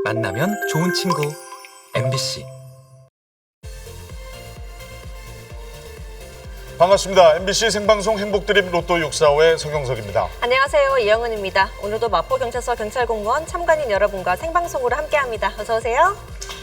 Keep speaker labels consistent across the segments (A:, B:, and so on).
A: 만나면 좋은 친구 MBC.
B: 반갑습니다. MBC 생방송 행복드림 로또 645의 성경석입니다.
C: 안녕하세요. 이영은입니다. 오늘도 마포경찰서 경찰공무원 참관인 여러분과 생방송으로 함께합니다. 어서 오세요.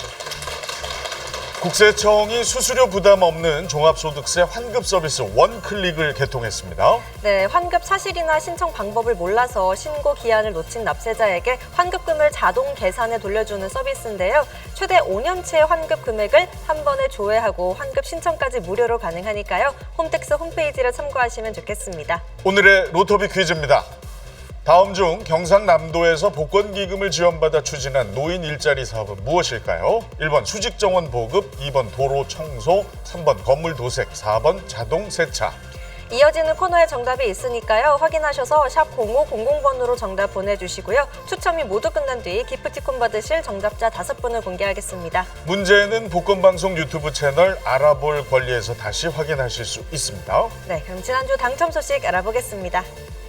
B: 국세청이 수수료 부담 없는 종합소득세 환급 서비스 원클릭을 개통했습니다.
C: 네, 환급 사실이나 신청 방법을 몰라서 신고 기한을 놓친 납세자에게 환급금을 자동 계산해 돌려주는 서비스인데요. 최대 5년치 환급 금액을 한 번에 조회하고 환급 신청까지 무료로 가능하니까요. 홈택스 홈페이지를 참고하시면 좋겠습니다.
B: 오늘의 로터비 퀴즈입니다. 다음 중 경상남도에서 복권기금을 지원받아 추진한 노인 일자리 사업은 무엇일까요? 1번 수직정원 보급, 2번 도로 청소, 3번 건물 도색, 4번 자동 세차.
C: 이어지는 코너에 정답이 있으니까요. 확인하셔서 샵 0500번으로 정답 보내주시고요. 추첨이 모두 끝난 뒤 기프티콘 받으실 정답자 5분을 공개하겠습니다.
B: 문제는 복권방송 유튜브 채널 알아볼 권리에서 다시 확인하실 수 있습니다.
C: 네, 그럼 지난주 당첨 소식 알아보겠습니다.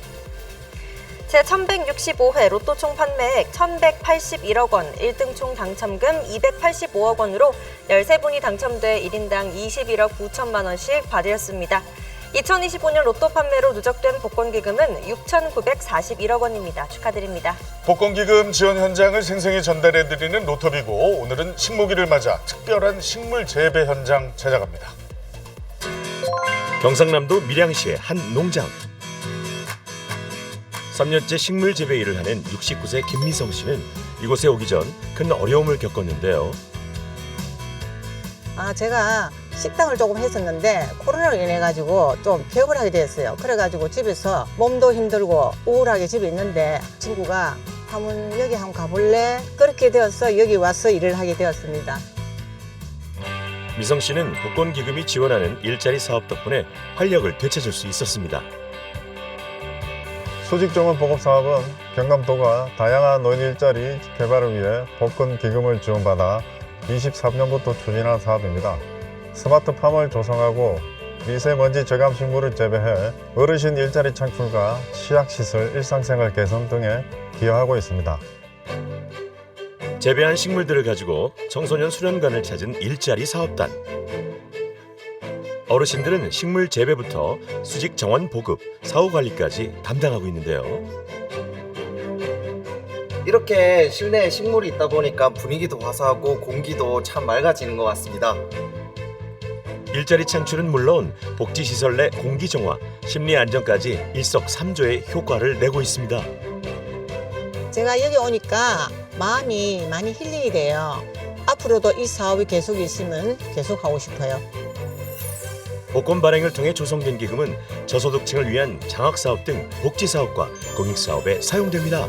C: 제1165회 로또 총 판매액 1,181억 원, 1등 총 당첨금 285억 원으로 13분이 당첨돼 1인당 21억 9천만 원씩 받으셨습니다. 2025년 로또 판매로 누적된 복권기금은 6,941억 원입니다. 축하드립니다.
B: 복권기금 지원 현장을 생생히 전달해드리는 로터비고 오늘은 식목일을 맞아 특별한 식물 재배 현장 찾아갑니다.
D: 경상남도 밀양시의 한 농장. 3년째 식물 재배 일을 하는 69세 김미성 씨는 이곳에 오기 전 큰 어려움을 겪었는데요.
E: 제가 식당을 조금 했었는데 코로나로 인해 가지고 좀 개업을 하게 됐어요. 그래가지고 집에서 몸도 힘들고 우울하게 집에 있는데 친구가 한번 여기 한번 가볼래? 그렇게 되어서 여기 와서 일을 하게 되었습니다.
D: 미성 씨는 복권기금이 지원하는 일자리 사업 덕분에 활력을 되찾을 수 있었습니다.
F: 수직정원 보급 사업은 경남도가 다양한 노인 일자리 개발을 위해 복권 기금을 지원받아 23년부터 추진한 사업입니다. 스마트팜을 조성하고 미세먼지 저감 식물을 재배해 어르신 일자리 창출과 취약시설 일상생활 개선 등에 기여하고 있습니다.
D: 재배한 식물들을 가지고 청소년 수련관을 찾은 일자리 사업단. 어르신들은 식물 재배부터 수직 정원 보급, 사후 관리까지 담당하고 있는데요.
G: 이렇게 실내에 식물이 있다 보니까 분위기도 화사하고 공기도 참 맑아지는 것 같습니다.
D: 일자리 창출은 물론 복지시설 내 공기 정화, 심리 안정까지 일석삼조의 효과를 내고 있습니다.
E: 제가 여기 오니까 마음이 많이 힐링이 돼요. 앞으로도 이 사업이 계속 있으면 계속 하고 싶어요.
D: 복권 발행을 통해 조성된 기금은 저소득층을 위한 장학사업 등 복지사업과 공익사업에 사용됩니다.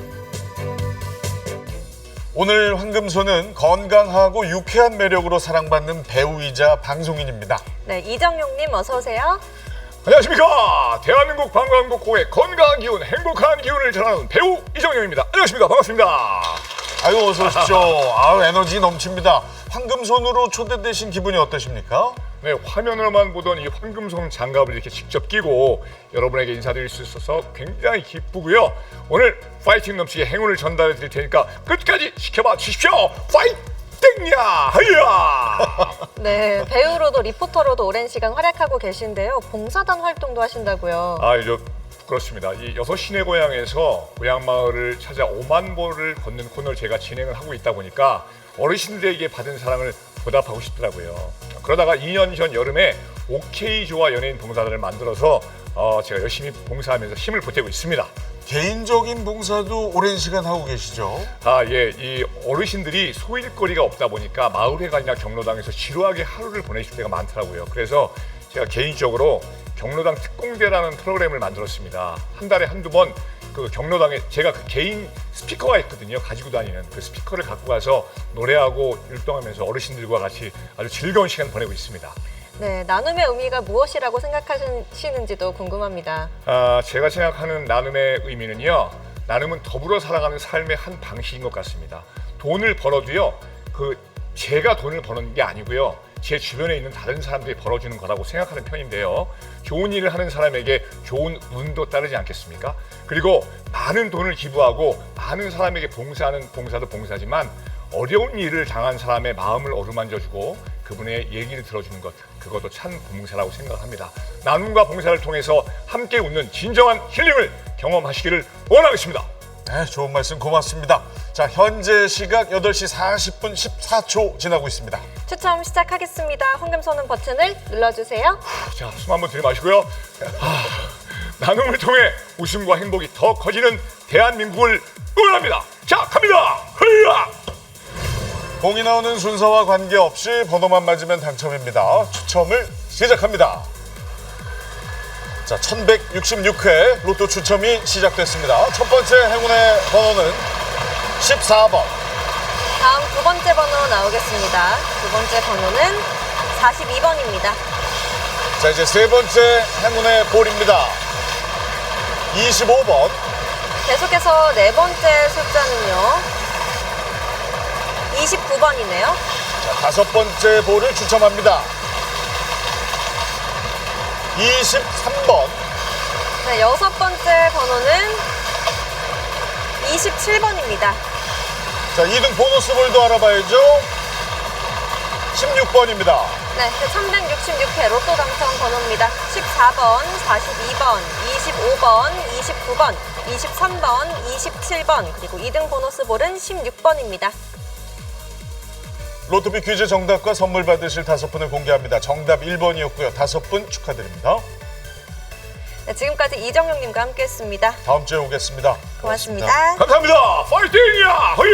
B: 오늘 황금소는 건강하고 유쾌한 매력으로 사랑받는 배우이자 방송인입니다.
C: 네, 이정용님 어서 오세요.
H: 안녕하십니까. 대한민국 관광국고의 건강한 기운, 행복한 기운을 전하는 배우 이정용입니다. 안녕하십니까. 반갑습니다.
B: 아유, 어서 오십시오. 아유, 에너지 넘칩니다. 황금손으로 초대되신 기분이 어떠십니까?
H: 네, 화면으로만 보던 이 황금손 장갑을 이렇게 직접 끼고 여러분에게 인사드릴 수 있어서 굉장히 기쁘고요. 오늘 파이팅 넘치게 행운을 전달해 드릴 테니까 끝까지 지켜봐 주십시오. 파이팅야! 하이야!
C: 네, 배우로도 리포터로도 오랜 시간 활약하고 계신데요. 봉사단 활동도 하신다고요.
H: 그렇습니다. 이 6시내 고향에서 고향마을을 찾아 5만 보를 걷는 코너를 제가 진행을 하고 있다 보니까 어르신들에게 받은 사랑을 보답하고 싶더라고요. 그러다가 2년 전 여름에 오케이조아 연예인 봉사단을 만들어서 제가 열심히 봉사하면서 힘을 보태고 있습니다.
B: 개인적인 봉사도 오랜 시간 하고 계시죠?
H: 예. 이 어르신들이 소일거리가 없다 보니까 마을회관이나 경로당에서 지루하게 하루를 보내실 때가 많더라고요. 그래서 제가 개인적으로 경로당 특공대라는 프로그램을 만들었습니다. 한 달에 한두 번 그 경로당에 제가 그 개인 스피커가 있거든요. 가지고 다니는 그 스피커를 갖고 가서 노래하고 율동하면서 어르신들과 같이 아주 즐거운 시간 보내고 있습니다.
C: 네, 나눔의 의미가 무엇이라고 생각하시는지도 궁금합니다.
H: 제가 생각하는 나눔의 의미는요. 나눔은 더불어 살아가는 삶의 한 방식인 것 같습니다. 돈을 벌어도요. 제가 돈을 버는 게 아니고요. 제 주변에 있는 다른 사람들이 벌어주는 거라고 생각하는 편인데요. 좋은 일을 하는 사람에게 좋은 운도 따르지 않겠습니까? 그리고 많은 돈을 기부하고 많은 사람에게 봉사하는 봉사도 봉사지만 어려운 일을 당한 사람의 마음을 어루만져주고 그분의 얘기를 들어주는 것, 그것도 참 봉사라고 생각합니다. 나눔과 봉사를 통해서 함께 웃는 진정한 힐링을 경험하시기를 원하겠습니다.
B: 네, 좋은 말씀 고맙습니다. 자, 현재 시각 8시 40분 14초 지나고 있습니다.
C: 추첨 시작하겠습니다. 황금 손은 버튼을 눌러주세요.
H: 자, 숨 한번 들이마시고요. 나눔을 통해 웃음과 행복이 더 커지는 대한민국을 응원합니다. 자, 갑니다. 흐야!
B: 공이 나오는 순서와 관계없이 번호만 맞으면 당첨입니다. 추첨을 시작합니다. 자, 1166회 로또 추첨이 시작됐습니다. 첫 번째 행운의 번호는 14번.
C: 다음 두 번째 번호 나오겠습니다. 두 번째 번호는 42번입니다.
B: 자, 이제 세 번째 행운의 볼입니다. 25번.
C: 계속해서 네 번째 숫자는요. 29번이네요.
B: 자, 다섯 번째 볼을 추첨합니다. 23번.
C: 네, 여섯 번째 번호는 27번입니다.
B: 자, 2등 보너스 볼도 알아봐야죠. 16번입니다.
C: 네, 366회 로또 당첨 번호입니다. 14번, 42번, 25번, 29번, 23번, 27번, 그리고 2등 보너스 볼은 16번입니다.
B: 로또비 퀴즈 정답과 선물 받으실 5분을 공개합니다. 정답 1번이었고요. 5분 축하드립니다.
C: 네, 지금까지 이정용님과 함께했습니다.
B: 다음 주에 오겠습니다.
C: 고맙습니다.
H: 감사합니다. 파이팅이야! 허야!